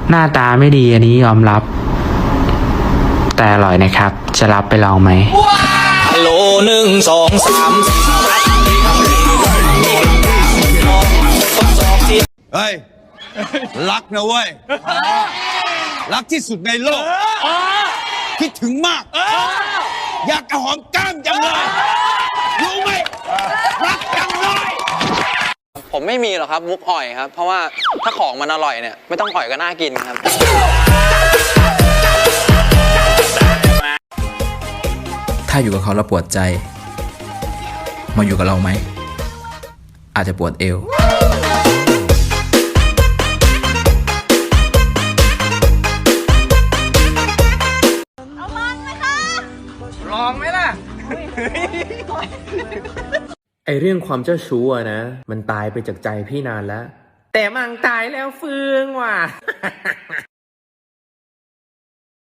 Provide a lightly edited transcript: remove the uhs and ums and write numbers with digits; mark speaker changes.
Speaker 1: หน้าตาไม่ดีอันนี้ยอมรับ แต่อร่อยนะครับจะรับไปลองไหม
Speaker 2: ฮัลโหล1 2 3
Speaker 3: เฮ้ย รักนะเว้ย รักที่สุดในโลก คิดถึงมาก อยากกระหอมก้ามจังเลย รู้ไหม รักจังเลย
Speaker 4: ผมไม่มีหรอกครับมุกอ่อยครับเพราะว่าถ้าของมันอร่อยเนี่ยไม่ต้องอ่อยก็น่ากินครับ
Speaker 5: ถ้าอยู่กับเขาแล้วปวดใจมาอยู่กับเราไหมอาจจะปวดเอว
Speaker 6: ไอเรื่องความเจ้าชู้อะนะมันตายไปจากใจพี่นานแล้วแต่มังตายแล้วฟื้นว่ะ